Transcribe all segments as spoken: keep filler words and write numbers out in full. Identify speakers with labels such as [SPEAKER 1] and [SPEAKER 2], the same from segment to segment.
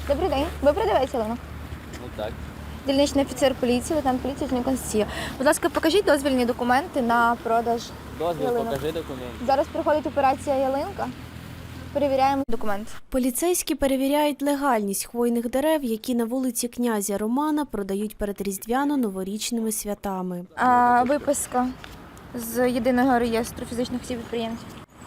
[SPEAKER 1] Добрий день. Ви продавець ялинок?
[SPEAKER 2] Ну так.
[SPEAKER 1] Дільничний офіцер поліції, лейтенант поліції Чернігівської. Будь ласка, покажіть дозвільні документи на продаж
[SPEAKER 2] Дозвіл,
[SPEAKER 1] ялинок.
[SPEAKER 2] покажи документ.
[SPEAKER 1] Зараз проходить операція ялинка. Перевіряємо документ.
[SPEAKER 3] Поліцейські перевіряють легальність хвойних дерев, які на вулиці князя Романа продають перед різдвяно-новорічними святами.
[SPEAKER 1] А, виписка з єдиного реєстру фізичних осіб підприємців.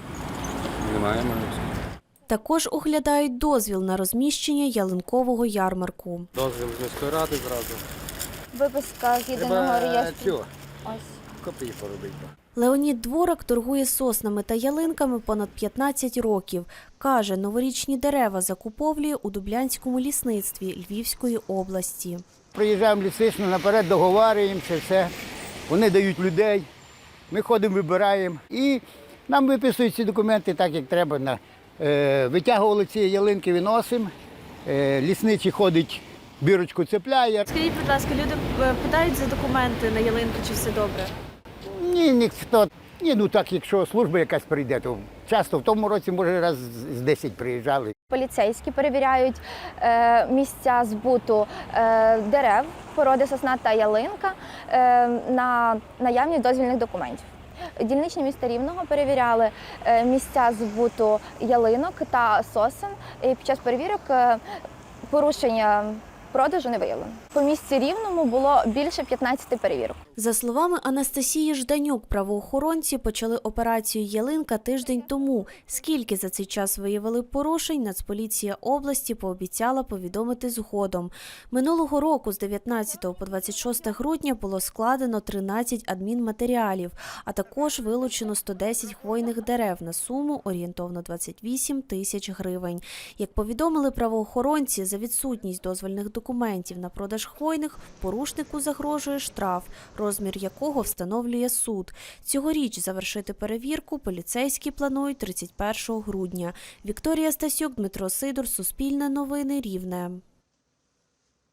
[SPEAKER 2] Немає можливості.
[SPEAKER 3] Також оглядають дозвіл на розміщення ялинкового ярмарку.
[SPEAKER 2] Дозвіл з міської ради зразу.
[SPEAKER 1] Виписка з єдиного реєстру. Ось.
[SPEAKER 2] Копії поробити.
[SPEAKER 3] Леонід Дворак торгує соснами та ялинками понад п'ятнадцять років. Каже, новорічні дерева закуповує у Дублянському лісництві Львівської області.
[SPEAKER 4] Приїжджаємо лісично, наперед договарюємося, все. Вони дають людей, ми ходимо, вибираємо. І нам виписують ці документи так, як треба. На, е, витягували ці ялинки, виносимо. Е, лісничий ходить, бірочку цепляє.
[SPEAKER 3] Скажіть, будь ласка, люди питають за документи на ялинку, чи все добре?
[SPEAKER 4] Ні, ніхто. Ні, ну так, якщо служба якась прийде, то часто в тому році, може, раз з десять приїжджали.
[SPEAKER 1] Поліцейські перевіряють е, місця збуту е, дерев, породи сосна та ялинка е, на наявність дозвільних документів. Дільничні міста Рівного перевіряли е, місця збуту ялинок та сосен. І під час перевірок е, порушення продажу не виявлено. По місці Рівному було більше п'ятнадцяти перевірок.
[SPEAKER 3] За словами Анастасії Жданюк, правоохоронці почали операцію «Ялинка» тиждень тому. Скільки за цей час виявили порушень, Нацполіція області пообіцяла повідомити згодом. Минулого року з дев'ятнадцятого по двадцять шосте грудня було складено тринадцять адмінматеріалів, а також вилучено сто десять хвойних дерев на суму орієнтовно двадцять вісім тисяч гривень. Як повідомили правоохоронці, за відсутність дозвольних документів на продаж хвойних порушнику загрожує штраф, розмір якого встановлює суд. Цьогоріч завершити перевірку поліцейські планують тридцять першого грудня. Вікторія Стасюк, Дмитро Сидор, Суспільне новини, Рівне.